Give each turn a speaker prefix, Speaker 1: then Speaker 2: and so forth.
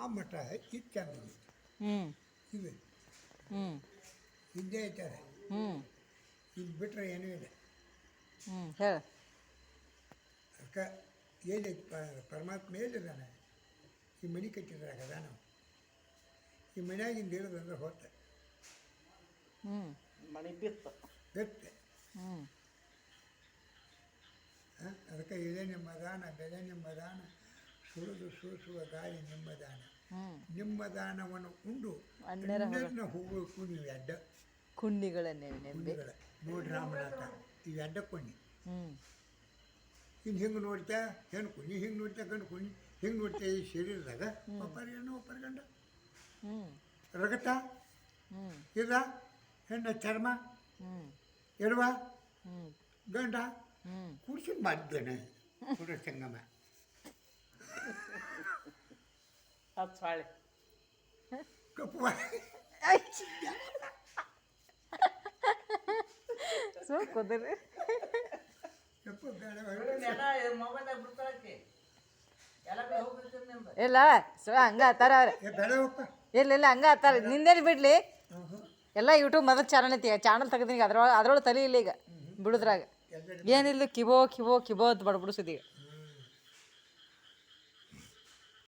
Speaker 1: ಮಠ ಇದು ಚಂದ
Speaker 2: ಹ್ಞೂ
Speaker 1: ಇದು
Speaker 2: ಹ್ಞೂ
Speaker 1: ಇದ್ದೇ ಐತಾರೆ
Speaker 2: ಹ್ಞೂ
Speaker 1: ಇದು ಬಿಟ್ಟರೆ ಏನೂ ಇಲ್ಲ.
Speaker 2: ಹ್ಞೂ ಹೇಳು.
Speaker 1: ಅದಕ್ಕೆ ಏನೈತಿ ಪರಮಾತ್ಮ ಎಲ್ಲಿದ್ದಾನೆ? ಈ ಮನೆ ಕಟ್ಟಿದ್ರಾಗ ಅದಾನ. ಈ ಮನ್ಯಾಗಿಂದ ಇರೋದಂದ್ರೆ ಹೊತ್ತ
Speaker 2: ಹ್ಞೂ
Speaker 3: ಮಣಿ ಬಿತ್ತು
Speaker 1: ಗತ್ತೆ.
Speaker 2: ಹ್ಞೂ
Speaker 1: ಅದಕ್ಕೆ ಇದೇ ನಿಮ್ಮದಾನ, ಬೆಲೆ ನಿಮ್ಮದಾನ, ಸುಳಿದು ಸೂಸುವ ಗಾಳಿ ನಿಮ್ಮದಾನ.
Speaker 2: ಹ್ಞೂ
Speaker 1: ನಿಮ್ಮದಾನವನ್ನು ಉಂಡು
Speaker 2: ಅಣ್ಣರ
Speaker 1: ಅಣ್ಣರನ್ನ ಹೋಗಬೇಕು ನೀವು ಎಡ್ಡ
Speaker 2: ಕುಂಡಿಗಳನ್ನೇ ನೆಂಬೆ.
Speaker 1: ಕುಂಡಿಗಳ ನೋಡಿ ರಾಮನಾಥ ಇವು ಎಡ್ಡ ಕೊಂಡಿ.
Speaker 2: ಹ್ಞೂ
Speaker 1: ಇನ್ನು ಹಿಂಗೆ ನೋಡ್ತಾ ಹೆಣ್ಣು ಕುಣಿ, ಹಿಂಗೆ ನೋಡ್ತಾ ಗಂಡು ಕುಣಿ, ಹಿಂಗೆ ನೋಡ್ತಾ ಈ ಶರೀರದಾಗ ಒಬ್ಬರು ಹೆಣ್ಣು ಒಬ್ಬರು ಗಂಡ.
Speaker 2: ಹ್ಞೂ
Speaker 1: ರಗತ
Speaker 2: ಹ್ಞೂ
Speaker 1: ಇದ ಹೆಣ್ಣ ಚರ್ಮ
Speaker 2: ಹ್ಞೂ
Speaker 1: ಎಡವ
Speaker 2: ಹ್ಞೂ
Speaker 1: ಗಂಡ
Speaker 2: ಹ್ಞೂ
Speaker 1: ಕುಡಿಸಿ ಮಾಡಿದ್ದೇನೆ ಕುಡ ಸಂಗಮ.
Speaker 3: ಹತ್ತು ಹಾಳೆ
Speaker 1: ಕಪ್ಪು
Speaker 2: ಸೊ ಕುದುರೆ
Speaker 1: ಕಪ್ಪು ಬೇಡ
Speaker 3: ಮೊಬೈಲ್ದಾಗ ಬಿಡ್ತಾಳಕ್ಕೆ ಎಲ್ಲ ಕಡೆ ಹೋಗ್ಬಿಡ್ತೀನಿ ನಿಮ್ದು.
Speaker 2: ಇಲ್ಲ ಸೊ ಹಂಗೆ ಅತ್ತಾರ ಅವ್ರೆ.
Speaker 1: ಬೇಡವಪ್ಪ.
Speaker 2: ಇಲ್ಲ ಇಲ್ಲ ಹಂಗೆ ಅತ್ತಾರ. ನಿಂದೇನು ಬಿಡಲಿ, ಎಲ್ಲ ಯೂಟ್ಯೂಬ್ ಮೊದಲು ಚಾನಲ್ ಐತಿ, ಚಾನಲ್ ತೆಗ್ದೀನಿ. ಅದ್ರೊಳಗೆ ತಲೆ ಇಲ್ಲ ಈಗ ಬಿಡುದ್ರಾಗ. ಏನಿಲ್ಲ ಕಿಬೋ ಕಿಬೋ ಕಿಬೋ ಅಂತ ಬಡ್ಬಿಡಿಸಿದೀಗ.